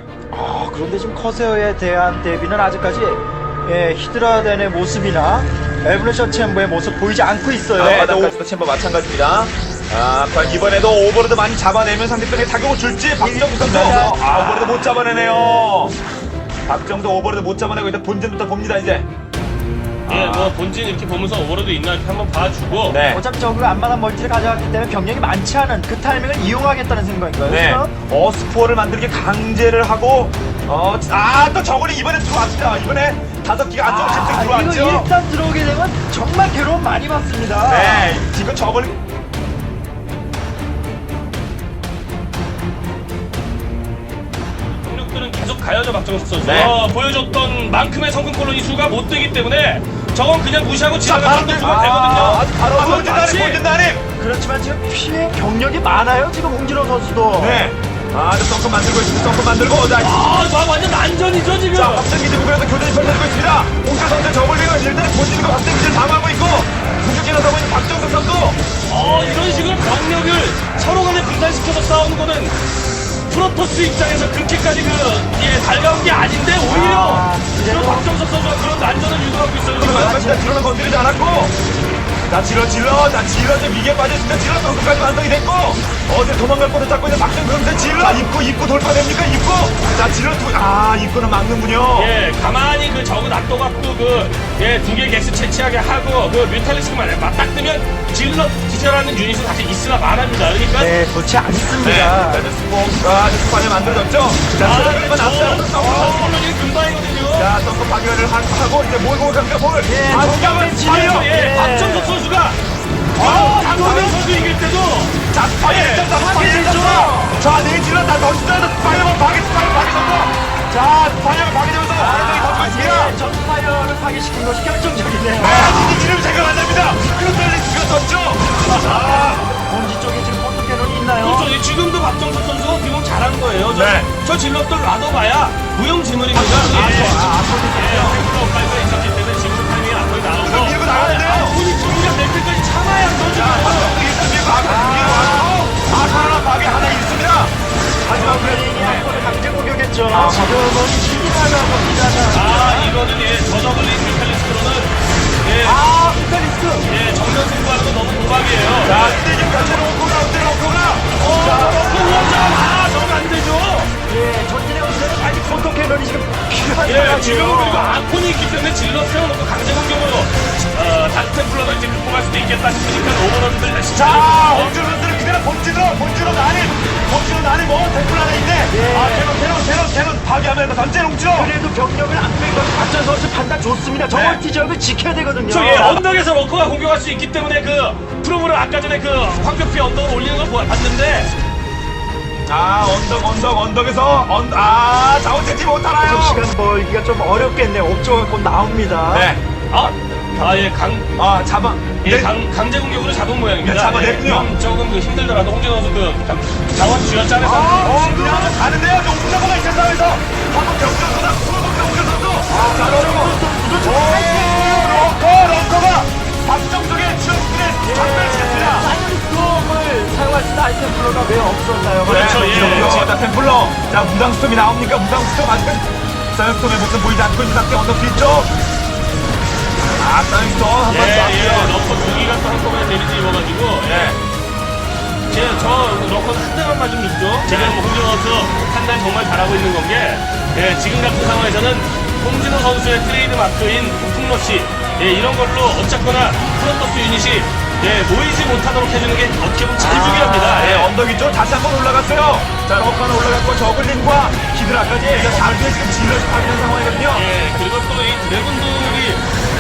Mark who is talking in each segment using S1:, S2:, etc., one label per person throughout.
S1: 그런데 지금 커세어에 대한 대비는 아직까지 히드라덴의 모습이나 에브레션 챔버의 모습 보이지 않고 있어요.
S2: 네, 바닥까지도 챔버 마찬가지입니다. 과연 이번에도 오버로드 많이 잡아내면 상대편에 타격을 줄지 박정도 선수. 오버로드 못 잡아내네요. 박정도 오버로드 못 잡아내고 일단 본진부터 봅니다 이제.
S3: 예, 뭐 본진 이렇게 보면서 오버로드 있나 이렇게 한번 봐주고.
S2: 네.
S1: 어차피 저그가 안마당 멀티를 가져갔기 때문에 병력이 많지 않은 그 타이밍을 이용하겠다는 생각인가요?
S2: 네.
S1: 지금?
S2: 스포어를 만들게 강제를 하고 또 저걸이 이번에 들어왔습니다. 이번에 5기가 안쪽으로 집
S1: 이거
S2: 들어왔죠.
S1: 일단 들어오게 되면 정말 괴로움 많이 받습니다.
S2: 네, 지금 저걸
S3: 공격들은 계속 가야죠 박정석 선수.
S2: 네.
S3: 보여줬던 만큼의 성공 콜로니 수가 못 되기 때문에 저건 그냥 무시하고
S2: 자,
S3: 지나가는 데 주면 되거든요.
S2: 바로
S3: 그건
S2: 본진단임,
S3: 마치-
S2: 본진단임.
S1: 그렇지만 지금 피해 경력이 많아요. 지금 홍진호 선수도.
S2: 네. 덩크 만들고 있습니다. 덩크 만들고. 자,
S3: 완전 난전이죠 지금.
S2: 자, 박정기 부분에서 교전이 펼쳐지고 있습니다. 홍철 선수 저걸리가 일단은 본진과 박정기를 방어하고 있고 공격기를 하고 있는 박정석 선수.
S3: 이런 식으로 병력을 서로 간에 분산시켜서 싸우는 거는 프로토스 입장에서 그렇게까지 달가운 게 아닌데 오히려 지금 박정석 선수가 그런 난전을 유도하고 있어요 지금.
S2: 맞습니다. 질러는 건드리지 않았고. 자, 질러 이제 위기에 빠졌습니다. 질러 덩크까지 완성이 됐고 어제 도망갈 뻔을 잡고 있는 박정석 선수 질러 입구 돌파됩니까? 입구. 자, 질러 입구는 막는군요.
S3: 예, 가만히 적은 놔둬갖고 두 개 객스 채취하게 하고 뮤탈리스크만 딱 뜨면 질러 기절하는 유닛은 사실 있으나 말합니다. 그러니까
S1: 네, 좋지 않습니다.
S2: 네, 스파이 만들어졌죠. 자, 스파이만 앞서서
S3: 콜로니는 금방이거든요.
S2: 자, 덩크 파괴를 하고 이제 몰고 갑니다. 뭘?
S1: 정답은
S2: 스파이어.
S3: 예, 박정석 선수가 강호명 선수 이길 때도
S2: 자, 스파이어. 자, 네 질러 다 던지면서 스파이어만 파괴했고. 자, 스파이어가 파괴되면서 완전히 던지고 있습니다.
S1: 전파이어를 파괴시킨 것이 결정적이네요.
S2: 이 지름 생각 안 납니다. 크로텔리스가 졌죠.
S1: 본지 쪽에 지금 포토캐논이 있나요?
S3: 그렇죠. 지금도 박정석 선수가 비용 잘한 거예요.
S2: 네.
S3: 저 질럿들 놔둬봐야 무용지물입니다. 프로파일가 있었기 때문에 지금 타이밍에 앞으로 나오고
S2: 밀고 나가는데요.
S3: 본인 공격 낼 때까지 참아야
S2: 하나 파괴 하나 있습니다. 하지만
S1: 베인이 앞으로 강제 공격했죠. 지금은 신기하다고 합니다.
S3: 이거는 저저글린 뮤탈리스트로는
S1: 뮤탈리스크.
S3: 정면 승부하는 거 너무 도박이에요.
S2: 자, 근데 지금 같이 로코가
S3: 저건 안 되죠.
S1: 전진의 우세는 아직 포토캐논이 지금 필요한
S3: 예, 지금 그리고
S1: 상황이에요.
S3: 아콘이 있기 때문에 질러 세워놓고 강제 공격으로 다크템플러가 이제 극복할 수도 있겠다 싶으니까 오버런들 열심히
S2: 자,
S3: 하고
S2: 홍준호 선수는 그대로 본진으로 나는 뭐 댓글 하나 있네. 캐논 파괴하면서 던진 홍준호.
S1: 그래도 병력을 안 뺀 것은 박전 선수 판단 좋습니다. 저 멀티 지역을 지켜야 되거든요.
S3: 언덕에서 러커가 공격할 수 있기 때문에 프로브를 아까 전에 황급히 언덕을 올리는 걸 봤는데
S2: 언덕에서 자원 채취 못하나요?
S1: 시간 벌기가 좀 어렵겠네요. 옵저가 곧 나옵니다.
S2: 네.
S3: 강제 공격으로 잡은 모양입니다.
S2: 네, 잡아냈군요.
S3: 조금 힘들더라도 홍진호 선수 자원 쥐어짜내서
S2: 가는데요. 옥자고가 있는 상황에서 한번 경주선수 럭커가 박정석의 추억들을 전멸시켰습니다.
S1: 사이언스톰을 사용할 수 있는 아이템 플로가 왜 없었나요?
S3: 그렇죠.
S2: 자, 템플러. 자, 무당스톰이 나옵니까? 무당스톰 아직은 사이언스톰의 모습 보이지 않고 있는 상태 언덕 뒤쪽. 사이언스톰 한번 더.
S3: 러커 두 기가 또 한꺼번에 데미지 입어가지고 저 러커는 한 대만 맞으면 죽죠. 지금 홍진호 선수 판단 정말 잘하고 있는 건 게 지금 같은 상황에서는 홍진호 선수의 트레이드 마크인 폭풍러시 이런 걸로 어쨌거나 프론토스 유닛이 모이지 못하도록 해주는 게 어떻게 보면 제일 중요합니다.
S2: 네, 언덕 위쪽 다시 한번 올라갔어요. 자, 러커 하나 올라갔고 저글링과 히드라까지 자기에 지금 질럿이 파괴된 상황이거든요.
S3: 그리고 또 이 드래곤들이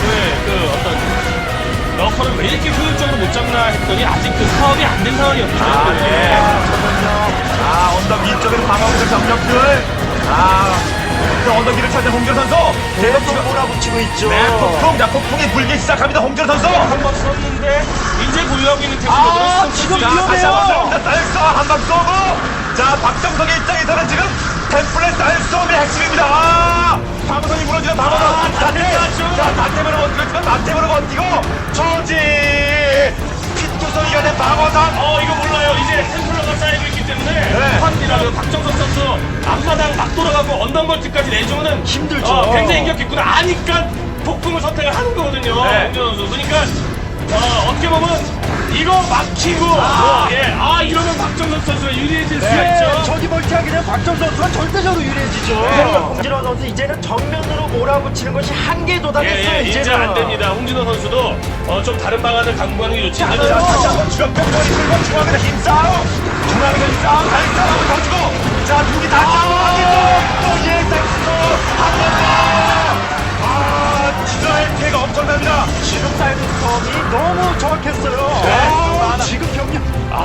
S3: 러커를 왜 이렇게 효율적으로 못 잡나 했더니 아직 사업이 안 된 상황이었기 때문에
S2: 언덕 위쪽에는 방어구들 병력들. 그 언덕 위를 찾는 홍준 선수.
S1: 계속 몰아붙이고 있죠.
S2: 네, 폭풍이 불기 시작합니다. 홍준 선수.
S3: 한번 썼는데 이제 보유하고 있는 템플러들은
S1: 지금
S2: 위험해요. 한방 쏘고. 자, 박정석의 입장에서는 지금 템플렛 쌀쏘움이 핵심입니다. 방어선이 무너지는 방어선. 다템으로 버티고 있지만 다템으로 버티고 저지 핏구성이가 된 방어선.
S3: 이거 몰라요. 이제 템플러가 쌓이고 있기 때문에 있습니다. 그리고 박정석 선수 앞마당 막 돌아가고 언덕멀티까지 내주면은
S1: 힘들죠.
S3: 굉장히 인격있구나 아니까 폭풍을 선택을 하는 거거든요.
S2: 네.
S3: 홍진호 선수. 그러니까 어떻게 보면 이거 막히고 이러면 박정석 선수가 유리해질 수가
S1: 네,
S3: 있죠.
S1: 저기 멀티하게 되면 박정 선수가 절대적으로 유리해지죠. 홍진호 선수 이제는 정면으로 몰아붙이는 것이 한계에 도달했어요.
S3: 이제
S1: 이제는
S3: 안 됩니다. 홍진호 선수도 좀 다른 방안을 강구하는 게 좋지.
S2: 자, 다시 한번 주력병원이 들고 중앙에서 힘싸움. 중앙에서 힘싸움. 다시 싸움을 더 주고. 자, 두기 다 싸움하겠죠. 또 예상수도 한번 더. 진화의 피해가 엄청납니다.
S1: 지금 사이드 스톰이 너무 정확했어요.
S2: 네.
S1: 지금 경력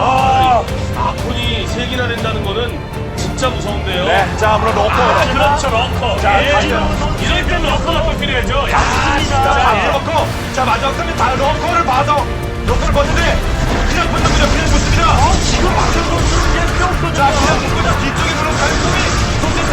S3: 아콘이 3개나 된다는 거는 진짜 무서운데요.
S2: 네, 자, 물론 러커.
S3: 그렇죠, 러커.
S2: 자,
S3: 예.
S2: 다시
S3: 이럴 땐 러커가 또 필요하죠.
S2: 자, 러커. 자, 마지막 끝에 다 러커를 봐서 러커를 봤는데 그냥 붙는군요. 그냥 붙습니다.
S1: 지금 박정 선수는 그냥 뿅
S2: 자, 그냥 붙고요. 뒤쪽에 물론 가능성이 손짓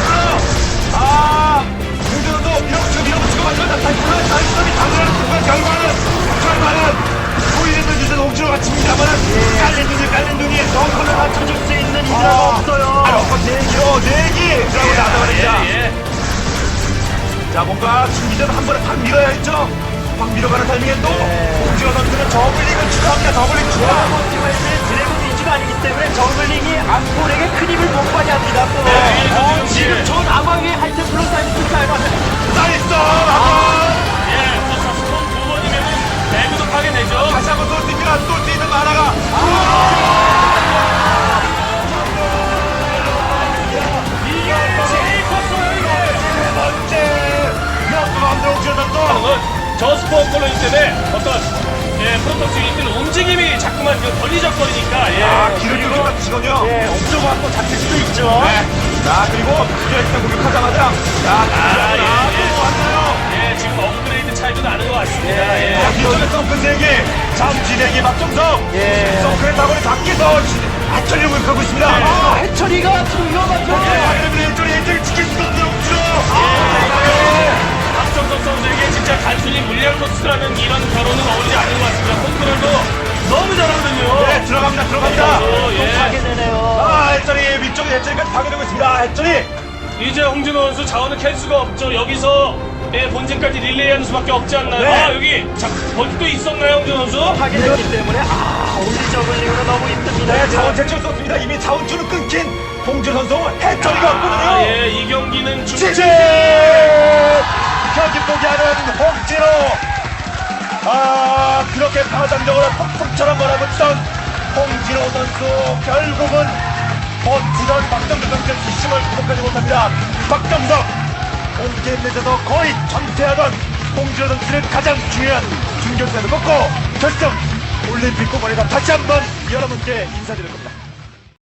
S2: 템플러. 공전도 밀어붙이고 만들었다. 다이스점이 당연한 순간 결과는 보이는 듯은 옥주로 같습니다만은 깔린 눈이
S1: 덩크를 맞춰줄 수 있는 이드라가 없어요.
S2: 러커 4기 라고 나타납니다.
S3: 예.
S2: 자, 뭔가 지금 이제는 한 번에 확 밀어야겠죠? 확 밀어가는 타이밍에 또 홍진호 선수는 저글링을 추가합니다. 저글링 추가.
S1: 드래곤 위주가 아니기 때문에 저글링이 암골에게 큰 힘을 못 발휘합니다. 또.
S3: 네,
S1: 지금 전 아마위의 하이템 플러스 하이템 사이버는
S2: 나이스!
S3: 예, 스톤 2번이면은 배구도 파게 되죠.
S2: 다시 한번 쏠 수 있구나. 쏠 수 있는 만화가.
S3: 이게 제일 컸어요, 이게.
S2: 세 번째. 역도 안 들어 홍진호 선수.
S3: 저 스포 콜로니 때문에 프로토스 유닛들 움직임이 자꾸만 걸리적거리니까,
S2: 길을 뚫고 같으시군요.
S1: 예, 옥저버 한번 잡힐 수도 있죠.
S2: 네. 자, 그리고 일단 공격하자마자 또 왔나요?
S3: 예, 지금 업그레이드 차이도 나는 것 같습니다. 예.
S2: 자, 뒤쪽에 썬큰 내기, 잠진행이 박정석.
S1: 예.
S2: 썬큰의 사거리 밖에서 아철리 공격하고 있습니다.
S1: 해철이가 지금 위험하죠.
S2: 일정을 지킬 수가 없는 옥주로.
S3: 박정석 선수에게 진짜 단순히 물량 토스라는 이런 결혼은 어울리지 않는 것 같습니다. 컨트롤도 너무 잘하거든요.
S2: 네, 들어갑니다.
S1: 또 가게 되네요.
S2: 해철이 위쪽에 해철이까지 파괴되고 있습니다. 해철이.
S3: 이제 홍진호 선수 자원을 캘 수가 없죠. 여기서 본진까지 릴레이하는 수밖에 없지 않나요?
S2: 네.
S3: 여기 버티도 있었나요, 홍진호 선수?
S1: 하게 됐기 때문에 올리 저글링으로 너무 힘듭니다.
S2: 네, 자원 채취할 수 없습니다. 이미 자원줄을 끊긴 홍준 선수 해철이가 없거든요.
S3: 예, 이 경기는
S2: 지지! 경기 포기하는 홍진호. 그렇게 파장적으로 폭풍처럼 몰아붙던 홍진호 선수 결국은 버티던 박정석 선수의 힘을 극복하지 못합니다. 박정석 홈게임 내에서 거의 전패하던 홍진호 선수는 가장 중요한 준결승에서 꺾고 결승 올림픽 공원에서 다시 한번 여러분께 인사드릴 겁니다.